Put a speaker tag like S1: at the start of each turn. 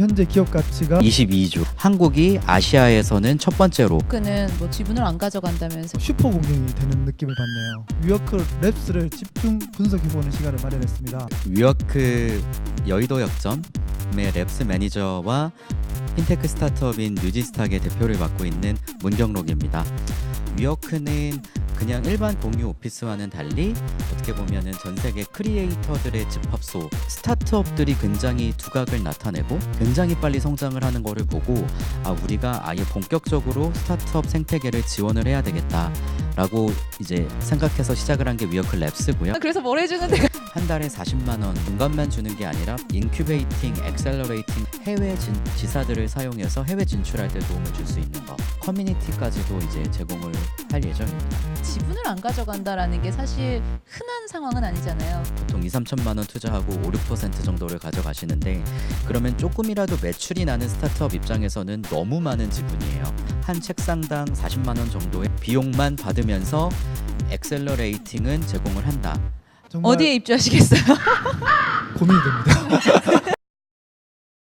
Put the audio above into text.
S1: 현재 기업 가치가
S2: 22조. 한국이 아시아에서는 첫 번째로.
S3: 그는 뭐 지분을 안 가져간다면서.
S1: 슈퍼 공룡이 되는 느낌을 받네요. 위워크 랩스를 집중 분석해보는 시간을 마련했습니다.
S2: 위워크 여의도 역점의 랩스 매니저와 핀테크 스타트업인 뉴지스탁의 대표를 맡고 있는 문경록입니다. 위워크는 그냥 일반 공유 오피스와는 달리 어떻게 보면은 전 세계 크리에이터들의 집합소, 스타트업들이 굉장히 두각을 나타내고 굉장히 빨리 성장을 하는 거를 보고 우리가 아예 본격적으로 스타트업 생태계를 지원을 해야 되겠다라고 이제 생각해서 시작을 한 게 위워크 랩스고요.
S3: 그래서 뭘 해주는데?
S2: 한 달에 40만 원 공간만 주는 게 아니라 인큐베이팅, 엑셀러레이팅, 해외 지사들을 사용해서 해외 진출할 때 도움을 줄 수 있는 거, 커뮤니티까지도 이제 제공을 할 예정입니다.
S3: 지분을 안 가져간다라는 게 사실 흔한 상황은 아니잖아요.
S2: 보통 2-3천만 원 투자하고 5-6% 정도를 가져가시는데 그러면 조금이라도 매출이 나는 스타트업 입장에서는 너무 많은 지분이에요. 한 책상당 40만 원 정도의 비용만 받으면서 엑셀러레이팅은 제공을 한다.
S1: 정말
S3: 어디에 입주하시겠어요?
S1: 고민이 됩니다.